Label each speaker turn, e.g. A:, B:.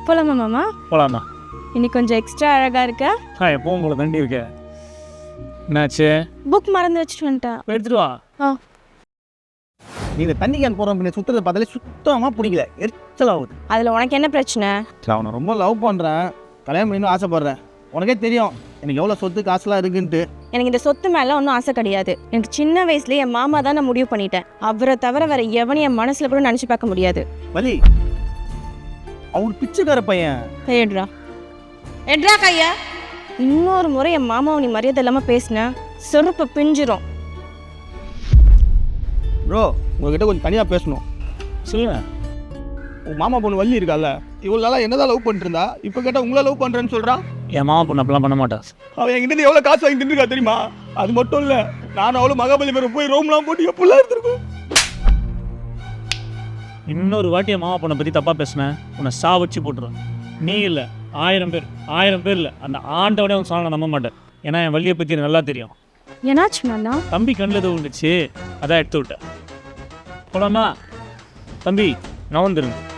A: போலாமா மாமா?
B: போகலாமா?
A: இன்னைக்கு கொஞ்சம் எக்ஸ்ட்ரா அழகா இருக்க.
B: எப்பவும் போல தண்டி இருக்க. என்னாச்சு?
A: புக் மறந்து வச்சுட்டு வந்துட்டேன்.
B: எடுத்துட்டு வா.
C: நீ இந்த தண்ணி கேன் போகிறோம் பின்ன சுற்றுறத பார்த்தாலே சுத்தமாக பிடிக்கல, எரிச்சல் ஆகுது.
A: அதில் உனக்கு என்ன பிரச்சனை?
C: அவனை ரொம்ப லவ் பண்ணுறேன், கல்யாணம் பண்ணணும் ஆசைப்பட்றேன். உனக்கே தெரியும் எனக்கு எவ்வளோ சொத்து காசுலாம் இருக்குன்ட்டு.
A: எனக்கு இந்த சொத்து மேலே ஒன்றும் ஆசை கிடையாது. எனக்கு சின்ன வயசுலேயே என் மாமா தான் நான் முடிவு பண்ணிட்டேன். அவரை தவிர வேற எவனையும் என் மனசில் கூட நினச்சி பார்க்க முடியாது.
C: வலி அவர் பிச்சைக்கார பையன்.
A: கையெடுறா, எட்ரா கையா. இன்னொரு முறை என் மாமாவை நீ மரியாதை இல்லாமல் பேசின செருப்பு பிஞ்சிரும்.
C: ப்ரோ உங்ககிட்ட கொஞ்சம் தனியாக பேசணும்.
B: சொல்லுங்க.
C: உங்கள் மாமா பொண்ணு வள்ளி இருக்கால, இவ்வளோ நாளாக என்னதான் லவ் பண்ணிட்டு இருந்தா, இப்போ கேட்டால் உங்களை லவ் பண்ணுறேன்னு சொல்கிறான்.
B: என் மாமா பொண்ணு அப்படிலாம் பண்ண மாட்டா.
C: அவன் என்கிட்ட எவ்வளோ காசு வாங்கி தின்னுருக்கா தெரியுமா? அது மட்டும் இல்லை, நானும் அவ்வளோ மகாபலிபுரம் போய் ரோம்லாம் போட்டு எப்படிலாம் எடுத்துருக்கோம்.
B: இன்னொரு வாட்டி என் மாமா பொண்ணை பற்றி தப்பாக பேசினேன், உன்னை வச்சு போட்டுருவேன். நீ இல்லை 1000 பேர் இல்லை, அந்த ஆண்டவனே உன் சாணம் நம்ப மாட்டேன். ஏன்னா என் வள்ளியை பற்றி எனக்கு நல்லா தெரியும்.
A: என்னாச்சு மாமா?
B: தம்பி கண்ணில் எதுவும் விழுந்துச்சு, அதான் எடுத்து விட்டேன். போலாமா? தம்பி நான் வந்துருங்க.